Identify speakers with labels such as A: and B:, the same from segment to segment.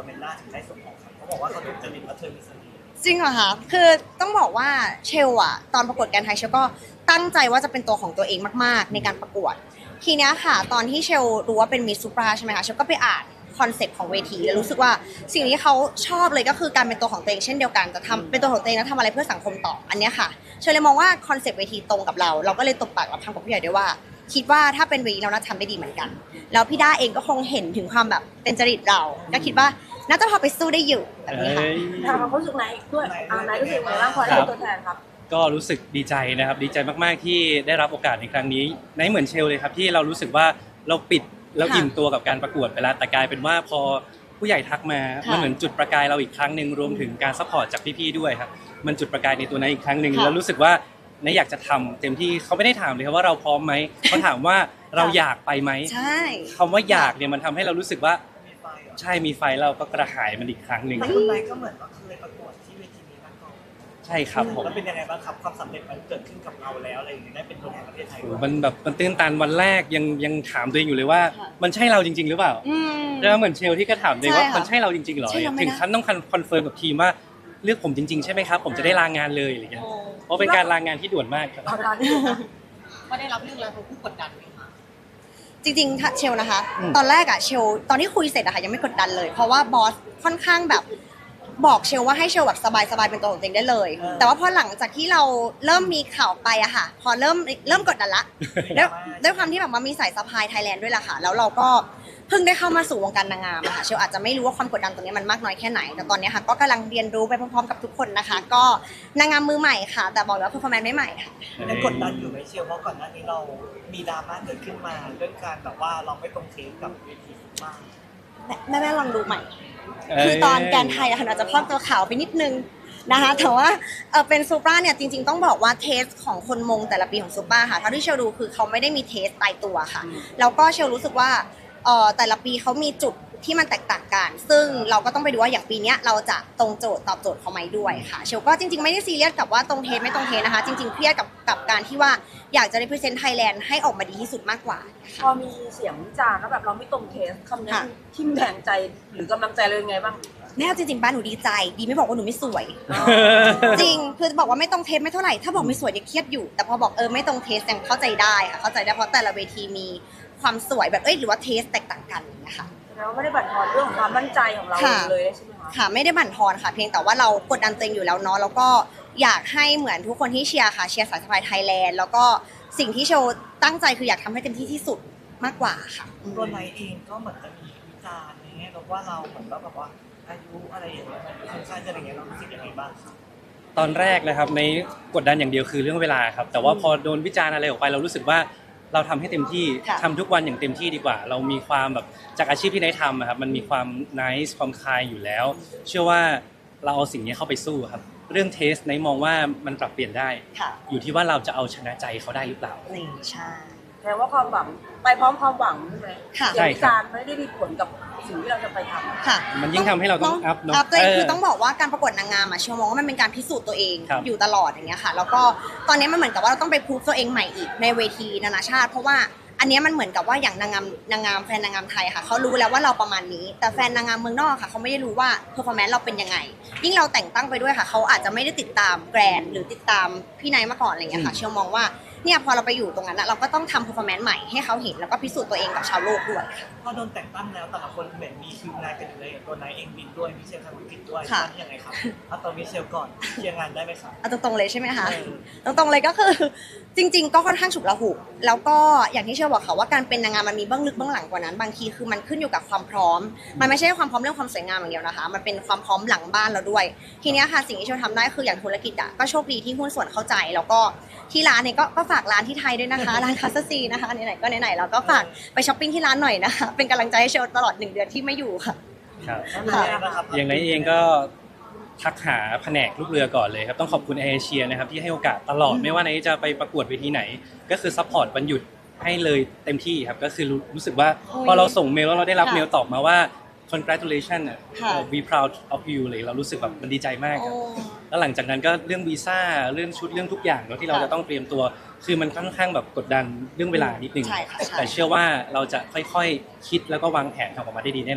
A: เมลล่าถึงได้ส่งออกครับเขาบอกว่าเขาถูกจริตและเธอมีเสน่ห์
B: จริงเหรอคะคือต้องบอกว่าเชลอะตอนประกวดแกรนด์ไทยเชลก็ตั้งใจว่าจะเป็นตัวของตัวเองมากๆในการประกวดทีเนี้ยค่ะตอนที่เชลรู้ว่าเป็นมิสซูปราใช่ไหมคะเชลก็ไปอ่านคอนเซ็ปต์ของเวทีแล้วรู้สึกว่าสิ่งที่เขาชอบเลยก็คือการเป็นตัวของตัวเองเช่นเดียวกันจะทำเป็นตัวของตัวเองแล้วทำอะไรเพื่อสังคมต่ออันเนี้ยค่ะเชลเลยมองว่าคอนเซ็ปต์เวทีตรงกับเราก็เลยตบปากรับคำกับผู้ใหญ่ด้วยว่าคิดว่าถ้าเป็นเวทีเราน่าจะทำได้ดีเหมือนกันแล้วพี่ด้าเองก็คงเห็นถึงความแบบเป็นจริตเราก็คิดว่าน่าจะพอไปสู้ได้อยู่แบบนี้ค่ะ
C: ถามความรู้สึกไหนด้วยไหนรู้สึกไงบ้างพอได้เป็นตัวแทนครับ
D: ก็รู้สึกดีใจนะครับดีใจมากๆที่ได้รับโอกาสในครั้งนี้ในเหมือนเชลเลยครับที่เรารู้สึกว่าเราปิดเราอิ่มตัวกับการประกวดไปแล้วแต่กลายเป็นว่าพอผู้ใหญ่ทักมามันเหมือนจุดประกายเราอีกครั้งหนึ่งรวมถึงการซัพพอร์ตจากพี่ๆด้วยครับมันจุดประกายในตัวนั้นอีกครั้งหนึ่งแล้วรู้สึกว่าในอยากจะทำเต็มที่เขาไม่ได้ถามเลยครับว่าเราพร้อมไหมเขาถามว่าเราอยากไปไหม
B: ใช่
D: คำว่าอยากเนี่ยมันทำให้เรารู้สึกว่า
A: มีไฟเหรอ
D: ใช่มีไฟเราก็กระหายมันอีกครั้งหนึ่ง
A: แต่คุณไนท์ก็เหมือนว่าเคยประกวดที่เวทีนี้มาก่อน
D: ใช่ครับผม
A: แล้วเป็นยังไงบ้างครับความสำเร็จมันเกิดขึ้นกับเราแล้วอะไรอย่างเงี้ยได้เป็นตัวแทนประเทศไทยด้วย
D: มันแบบมันตื้นตันวันแรกยังถามตัวเองอยู่เลยว่ามันใช่เราจริงๆหรือเปล่า แล้วเหมือนเชลที่ก็ถามเลยว่า
B: ใช่ค่ะ
D: มันใช่เราจริงๆเหรอ
B: ใช่เราไหมนะ
D: ถึงขั้นต้องคอนเฟิร์มกับทีมว่าเลือกผมจริงๆใช่ไหมครับผมจะได้ลางานเลยอะไรเงี้ยเพราะเป็นการลางานที่ด่วนมากครับ
C: เอาการที่นะ
E: ก็ได้รับเรื่องแล้วเขาผู้กดดันไหมคะ
B: จริงๆถ้าเชลนะคะ ตอนแรกอะเชลตอนที่คุยเสร็จอะค่ะยังไม่กดดันเลย เพราะว่าบอสค่อนข้างแบบบอกเชลว่าให้เชลแบบสบายๆเป็นตัวของตัวเองได้เลย แต่ว่าพอหลังจากที่เราเริ่มมีข่าวไปอะค่ะ พอเริ่มกดดันละด้วยความที่แบบว่ามีสายสะพายไทยแลนด์ด้วยล่ะค่ะแล้วเราก็เพิ่งได้เข้ามาสู่วงการนางงามอะค่ะเชลอาจจะไม่รู้ว่าความกดดันตรงนี้มันมากน้อยแค่ไหนแต่ตอนนี้ค่ะก็กำลังเรียนรู้ไปพร้อมๆกับทุกคนนะคะ ก็นางงามมือใหม่ค่ะ แต่บอกเลยว่าเพอร์ฟอร์แมนซ์ไม่ใหม่ค่ะ
A: ยังกดดันอยู่ไหมเชียวเพราะก่อนหน้านี้เรามีดราม่าเกิดขึ้นมาเรื่องการแบบว่าเราไม่ตรงเทปกับเวทีบ้าง
B: แม่ลองดูใหม่ คือตอนแกรนด์ไทยอะค่ะอาจจะพอกตัวขาวไปนิดนึงนะคะแต่ว่าเป็นซูเปอร์เนี่ยจริงๆต้องบอกว่าเทสของคนมงแต่ละปีของซูเปอร์ค่ะเท่าที่เชลดูคือเขาไม่ได้มีเทสตายตัวค่ะแล้วก็เชลรู้สึกว่าแต่ละปีเขามีจุดที่มันแตกต่างกันซึ่งเราก็ต้องไปดูว่าอย่างปีนี้เราจะตรงโจทย์ตอบโจทย์เขาไหมด้วยค่ะเชลก็จริงๆไม่ได้ซีเรียสกับว่าตรงเทสไม่ตรงเทสนะคะจริงๆเครียดกับการที่ว่าอยากจะ represent Thailand ให้ออกมาดีที่สุดมากกว่า
C: พอมีเสียงวิจารณ์แล้วแบบเราไม่ตรงเทสคำนี้ทิ่มแทงใจหรือกำลังใจเลยไงบ้าง
B: แม่เอาจริงๆบ้านหนูดีใจดีไม่บอกว่าหนูไม่สวย จริงคือบอกว่าไม่ตรงเทสไม่เท่าไหร่ถ้าบอกไม่สวยยังเครียดอยู่แต่พอบอกไม่ตรงเทสยังเข้าใจได้ค่ะเข้าใจได้เพราะแต่ละเวทีมีความสวยแบบหรือว่าเทสแตกต่างกันนะคะ
C: แล้วไม่ได้บั่นทอนเรื่องของความมั่นใจของเราเลยใช่ไหมคะ
B: ค่ะไม่ได้บั่นทอนค่ะเพียงแต่ว่าเรากดดันตัวเองอยู่แล้วเนาะแล้วก็อยากให้เหมือนทุกคนที่เชียร์ค่ะเชียร์สายสะพายไทยแลนด์แล้วก็สิ่งที่โชว์ตั้งใจคืออยากทำให้เต็มที่ที่สุดมากกว่าค่ะ
A: ตัวไนท์เองก็เหมือนจะมีวิจารณ์อย่างเงี้ยเราว่าเราเหมือนแบบว่าอายุอะไรอย่างเงี้ยค่อนข้างจะอย่างเงี้ยเรารู้สึกยังไงบ้างครับ
D: ตอนแรกนะครับในกดดันอย่างเดียวคือเรื่องเวลาครับแต่ว่าพอโดนวิจารณ์อะไรออกไปเรารู้สึกว่าเราทำให้เต็มที่
B: ค่ะ
D: ทำทุกวันอย่างเต็มที่ดีกว่า เรามีความแบบจากอาชีพที่ได้ทำอะครับมันมีความ nice ความคายอยู่แล้ว เชื่อว่าเราเอาสิ่งนี้เข้าไปสู้ครับเรื่องเทสในมองว่ามันปรับเปลี่ยนได้
B: ค่ะ
D: อยู่ที่ว่าเราจะเอาชนะใจเขาได้หรือเปล่า
B: นี่ใช่
C: แต่ว่าความหวังไปพร้อมความหวังใช่ไหม
B: ค่ะ
C: เสียงวิจารณ์ไม่ได้มีผลกับสิ่งที่เราจะไปทำ
B: ค่ะ
D: มันยิ่งทำให้เราต้องอัพเนอะ
B: อัพตัวเองคือ
D: เออ
B: ต้องบอกว่าการประกวดนางงามอะเชื่อมองว่ามันเป็นการพิสูจน์ตัวเอง
D: ครับ
B: อยู่ตลอดอย่างเงี้ยค่ะแล้วก็ตอนนี้มันเหมือนกับว่าเราต้องไปพูฟตัวเองใหม่อีกในเวทีนานาชาติ เพราะว่าอันเนี้ยมันเหมือนกับว่าอย่างนางงามแฟนนางงามไทยค่ะเขารู้แล้วว่าเราประมาณนี้ แต่แฟนนางงามเมืองนอกค่ะเขาไม่ได้รู้ว่าเพอร์ฟอร์แมนซ์เราเป็นยังไงยิ่งเราแต่งตั้งไปด้วยค่ะเขาอาจจะไม่ได้ติดตามแกรนด์หรือติดตามพี่ไนท์มาก่อนอะไรเงี้ยค่ะเชื่อมองว่าเนี่ยพอเราไปอยู่ตรงนั้นนะเราก็ต้องทำเพอร์ฟอร์แมนซ์ใหม่ให้เขาเห็นแล้วก็พิสูจน์ตัวเองกับชาวโลกด้วยค่ะ
A: พอโดนแต่งตั้งแล้วแต่ละคนเหมือนมีคิวงานกันอยู่เลยอย่างตัวไนท์เองบินด้วยมิเชลทำธุรกิจด้วย
B: ค่ะ
A: ตอนนี้ยังไงครับเอาตัวมิเชลก่อนเคลียร์งานได้ไหมครับ
B: เอาตรงๆเลยใช่ไหมคะ
A: เออ
B: ตรงๆเลยก็คือ จริง ๆ ก็ค่อนข้างฉุกละหุกแล้วก็อย่างที่เชื่อบอกค่ะว่าการเป็นนางงามมันมีเบื้องลึกเบื้องหลังกว่านั้นบางทีคือมันขึ้นอยู่กับความพร้อม มันไม่ใช่ความพร้อมเรื่องความสวยงามอย่างเดียวนะคะ มันเป็นความพร้อมหลังบ้านเราด้วย ทีเนี้ยค่ะสิ่งที่เชื่อทำได้คืออย่างธุรกิจอ่ะก็โชคดีที่หุ้นส่วนเข้าใจแล้วก็ที่ร้านเนี่ยก็ฝากร้านที่ไทยด้วยนะคะ ร้านคาสซีนะคะไหนๆก็ไหนๆเราก็ฝากไปช้อปปิ้งที่ร้านหน่อยนะคะเป็นกำลังใจให้เชลตลอด1 เดือนที่ไม่อยู่ค่ะ
D: ครับ
A: แล้วเป็นยังไงบ้างครับ
D: อย่างไรเองก็ทักหาแผนกลูกเรือก่อนเลยครับต้องขอบคุณแอร์เอเชียนะครับที่ให้โอกาสตลอดไม่ว่าไหนจะไปประกวดเวทีไหน ก็คือซัพพอร์ตวันหยุดให้เลยเต็มที่ครับก็คือรู้สึกว่า
B: โอ้ย
D: พอเราส่งเมลแล้วเราได้รับ
B: ค่ะ
D: เมลตอบมาว่า congratulation อ่ะ
B: ค่ะ
D: we proud of you เลยเรารู้สึกแบบมันดีใจมากครับ
B: โอ้
D: แล้วหลังจากนั้นก็เรื่องวีซ่าเรื่องชุดเรื่องทุกอย่างเนอะที่เรา
B: ค่ะ
D: จะต้องเตรียมตัว คือมันค่อนข้างแบบกดดันเรื่องเวลานิดนึง
B: ใช่ค่ะใช่
D: แต่เชื่อว่าเราจะค่อยๆคิดแล้วก็วางแผนทำออกมาได้ดีแน่นอนครับ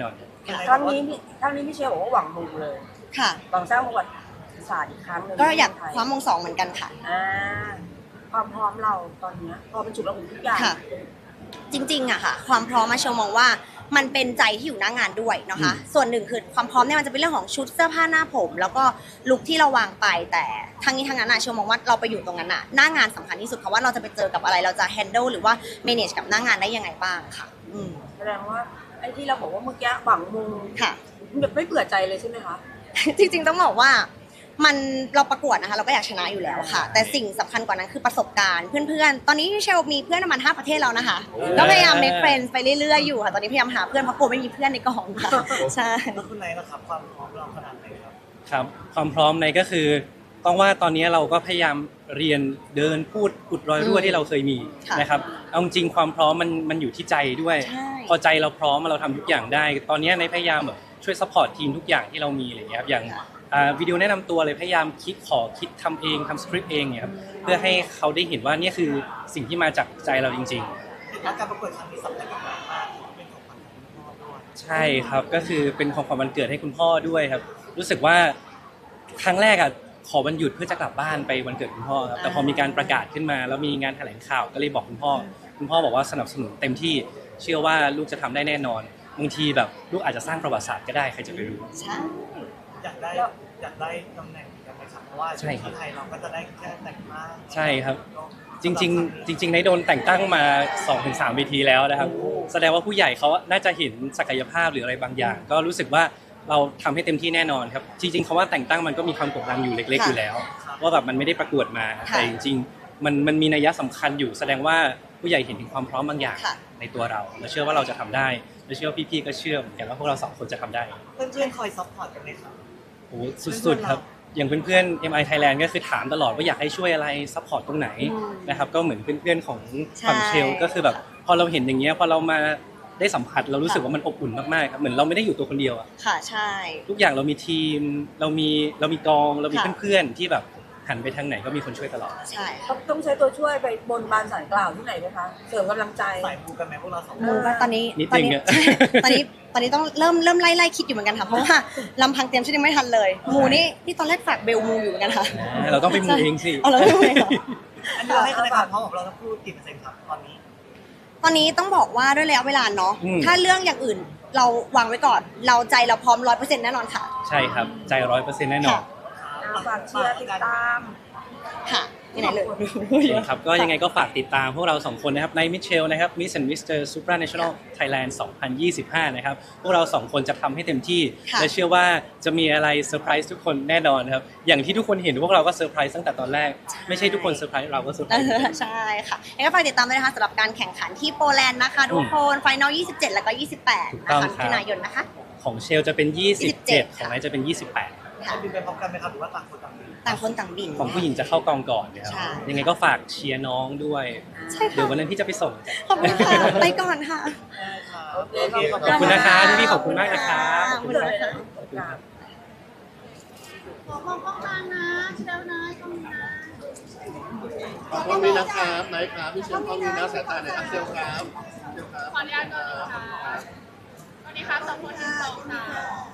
C: ครั้งนี้พี่เชลบอกว่าหวังมงเลย
B: ค่ะ
C: หวังสร้างประวัติศาสตร์อีกครั้งหนึ่ง
B: ก็อยาก
C: ในไท
B: คว้ามงสองเหมือนกันค่ะ
C: ความพร้อมเราตอนเนี้ยพอเป็นจุดระหุทุกอย่าง
B: ค่ะ จริงๆอะค่ะ ความพร้อมมาเชลมองว่ามันเป็นใจที่อยู่หน้างานด้วยนะคะ ส่วนหนึ่งคือความพร้อมเนี่ยมันจะเป็นเรื่องของชุดเสื้อผ้าหน้าผม แล้วก็ลุคที่เราวางไปแต่ทั้งนี้ทั้งนั้นอะเชลมองว่าเราไปอยู่ตรงนั้นอะหน้างานสำคัญที่สุดเพราะว่าเราจะไปเจอกับอะไรเราจะ handle หรือว่า manage กับหน้างานได้ยังไงบ้างค่ะ
C: แสดงว่าไอ้ที่เราบอกว่าเมื่อกี้หวังมง
B: ค่ะ
C: แบบไม่เบื่อใจเลยใช่ไหมคะ
B: จริงๆต้องบอกว่ามันเราประกวดนะคะเราก็อยากชนะอยู่แล้วค่ะ แต่สิ่งสำคัญกว่านั้นคือประสบการณ์เพื่อนๆ ตอนนี้เชลมีเพื่อนประมาณ5ประเทศแล้วนะคะก็พยายาม make friends ไปเรื่อยๆอยู่ค่ะตอนนี้พยายามหาเพื่อนเพราะกลัวไม่มีเพื่อนในกองค่ะใช่
A: แล้วคุณไนท์ล่ะครับความพร้อมเราขนาดไหนครับ
D: ครับความพร้อมในก็คือต้องว่าตอนนี้เราก็พยายามเรียนเดินพูดอุดรอยรั่วที่เราเคยมี
B: ค่ะ
D: นะครับเอาจริงๆความพร้อมมันอยู่ที่ใจด้วย
B: ใช่
D: พอใจเราพร้อมเราทำทุกอย่างได้ ตอนนี้ในพยายามแบบช่วยซัพพอร์ตทีมทุกอย่างที่เรามีอะไรอย่างเงี้ยครับอย่างวิดีโอแนะนำตัวเลยพยายามคิดทำเองทำสคริปต์เองเนี่ยครับเพื่อให้เขาได้เห็นว่านี่คือสิ่งที่มาจากใจเราจริง ๆ
A: แล้วการประกวดครั้งนี้สำคัญกับเรามากเป็นของขวัญของคุณพ่อด้วย
D: ใช่ครับก็คือเป็นของขวัญวันเกิดให้คุณพ่อด้วยครับ รู้สึกว่าครั้งแรกอ่ะขอวันหยุดเพื่อจะกลับบ้านไปวันเกิดคุณพ่อครับแต่พอมีการประกาศขึ้นมาแล้วมีงานแถลงข่าวก็เลยบอกคุณพ่อบอกว่าสนับสนุนเต็มที่เชื่อว่าลูกจะทำได้แน่นอนบางทีแบบลูกอาจจะสร้างประวัติศาสตร์ก็ได้ใครจะไปรู้
B: ใช่
A: อยากได้ตำแหน่งเหมือนกันไหมครับเพราะว่า
D: ใช่ครับ
A: ที่ไทยเราก็จะได้แค่แต่งหน้า
D: ใช่ครับ จริงในโดนแต่งตั้งมา 2-3 เวทีแล้วนะครับ แสดงว่าผู้ใหญ่เขาน่าจะเห็นศักยภาพหรืออะไรบางอย่าง ก็รู้สึกว่าเราทำให้เต็มที่แน่นอนครับ จริงๆคำว่าแต่งตั้งมันก็มีความกดดันอยู่เล็กๆอยู่แล้ว ว่าแบบมันไม่ได้ประกวดมา แต่จริงๆมันมีนัยสำคัญอยู่ แสดงว่าผู้ใหญ่เห็นถึงความพร้อมบางอย่าง
B: ค่ะ
D: ในตัวเราและเชื่อว่าเราจะทำได้และเชื่อว่าพี่ๆก็เชื่อเหมือนกันว่าพวกเรา2 คนจะทำได้
A: เพื่อนๆคอยซัพพอร์ตกันไหมครับ
D: โอ้สุดๆครับอย่างเพื่อนๆ MI Thailand ก็คือถามตลอดว่าอยากให้ช่วยอะไรซัพพอร์ตตรงไหนนะครับก็เหมือนเพื่อนๆของฝั่งเชลก็คือแบบพอเราเห็นอย่างเงี้ยพอเรามาได้สัมผัสเรารู้สึกว่ามันอบอุ่นมากๆครับเหมือนเราไม่ได้อยู่ตัวคนเดียวอะ
B: ค่ะใช่
D: ทุกอย่างเรามีทีมเรามีกองเรามีเพื่อนๆที่แบบหันไปทางไหนก็มีคนช่วยตลอด
B: ใช่ค่ะ
C: ต้องใช้ตัวช่วยไปบนบานสารกล่าวที่ไหนไหมคะเสริมกำลังใจ
A: สายมูกันไหมพวกเราสองค
B: มู
A: น
B: ก็ตอนนี้
D: นิด
B: ตอน
D: นึง
B: นี้
D: อะ
B: ใช่ตอนนี้ต้องเริ่มไล่คิดอยู่เหมือนกันค่ะเพราะว่าลำพังเตรียมชุดยังไม่ทันเลยมูนี่ตอนแรกฝากเบลมูอยู่เหมือนกันค่ะ
D: เราต้องไปมูเองสิ
B: เอาเราไม่มูเองเหรอ
A: อันนี้เราให้คะแนนความพร้อมของเราทั้งคู่กี่เปอร์เซ็นต์ครับตอนนี้
B: ตอนนี้ต้องบอกว่าด้วยระยะเวลาเนาะ
D: อืม
B: ถ้าเรื่องอย่างอื่นเราวางไว้ก่อน เราใจเราพร้อม 100% แน่นอนค่ะ
D: ใช่ครับใจ100%แน่นอน
C: ฝากเชียร์ติดตาม
B: ค่ะที่ไหนเลย
D: ครับก็ยังไงก็ฝากติดตามพวกเรา2 คนนะครับในมิเชลนะครับ Miss and Mr. Supranational Thailand 2025 นะครับพวกเรา2 คนจะทำให้เต็มที่
B: ค่ะ
D: และเชื่อว่าจะมีอะไรเซอร์ไพรส์ทุกคนแน่นอนครับอย่างที่ทุกคนเห็นพวกเราก็เซอร์ไพรส์ตั้งแต่ตอนแรกไม่ใช่ทุกคนเซอร์ไพรส์เราก็เซอร์ไพรส์
B: ใช่ค่ะยังไงก็ฝากติดตามด้วยนะคะสำหรับการแข่งขันที่โปแลนด์นะคะทุกคนไฟนอล 27 แล้วก็ 28
D: ถูก
B: นะ
D: ต้อง
B: คะ
D: ครับ
B: มิถุนายนนะคะ
D: ของเชลจะเป็น 27 ของไนท์จะเป็น 28
A: จะบินไปพร้อมกันไหมครับหรือว่าต่างคนต่างบิน
B: ต่างคนต่างบิน
D: ของผู้หญิงจะเข้า กองก่อนนะครับ
B: ใช่
D: ยังไงก็ฝากเชียร์น้องด้วย
B: ใช่
D: เดี๋ยว
B: ค่ะ
D: วันนั้นพี่จะไปส่ง
B: ขอบคุณค่ะไปก่อนค่ะ
A: โอเค
D: ขอบคุณนะคะพี่ๆขอบคุณมากนะครับ
B: ขอบคุณค่ะ
E: ขอมองกล้องกลางนะเชลนะกล้องนี้นะ
F: ขอบคุณนะครับไหนครับพี่เชฟขอบคุณนะสายตาไหนครับเซลครับเซลครับ
E: ขออนุญาตก่อนนะคะสวัสดีครับ2 คน1 2 3